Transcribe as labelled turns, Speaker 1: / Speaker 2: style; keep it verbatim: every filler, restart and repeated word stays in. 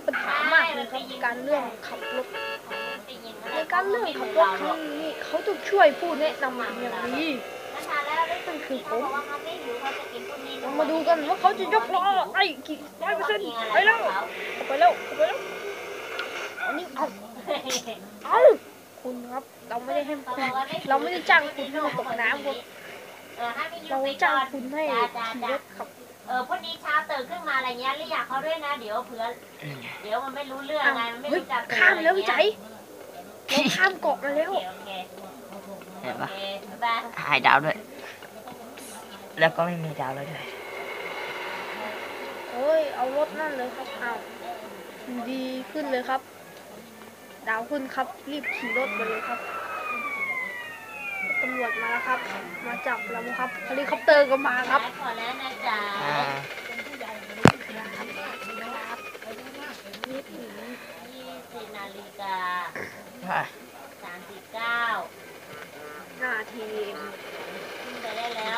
Speaker 1: ปัญหามากเลยครับการเรื่องขับรถในการเรื่องขับรถครั้งนี้เขาต้องช่วยผู้แนะนำอย่างดีนั่นคือผมเรามาดูกันว่าเขาจะยกล้อไอ้กี่ร้อยเปอร์เซ็นต์ไปแล้วไปแล้วไปแล้วอันนี้เอาเอาคุณครับเราไม่ได้ให้คุณเราไม่ได้จ้างคุณให้มาตกน้ำครับเราจ้างคุณให้ขี่รถขับ
Speaker 2: เออพอดีเช้าตื่นขึ้นมาอะไรเงี้ยเรียกเขาด้วยนะเดี๋ยวเผื่อเดี๋ยวมันไม่รู้เรื่องไงมันไม่รู้จัก
Speaker 1: ข้ามแล้วพี่ใจเราข้ามเกาะมาแล้ว
Speaker 3: เห็นปะหายดาวด้วยแล้วก็ไม่มีดาวแล้วด้วย
Speaker 1: โอ้ยเอารถนั่นเลยครับอ้าวดีขึ้นเลยครับดาวขึ้นครับรีบขี่รถไปเลยครับตำรวจมาแล้วครับมาจับเราครับเฮลิคอปเตอร์ก็มาครับ
Speaker 2: ขอแล้วนะจ๊ะยี่สิบนาฬิกาสามสิบเก้า
Speaker 1: นาที
Speaker 2: ขึ้นไปได้แล้ว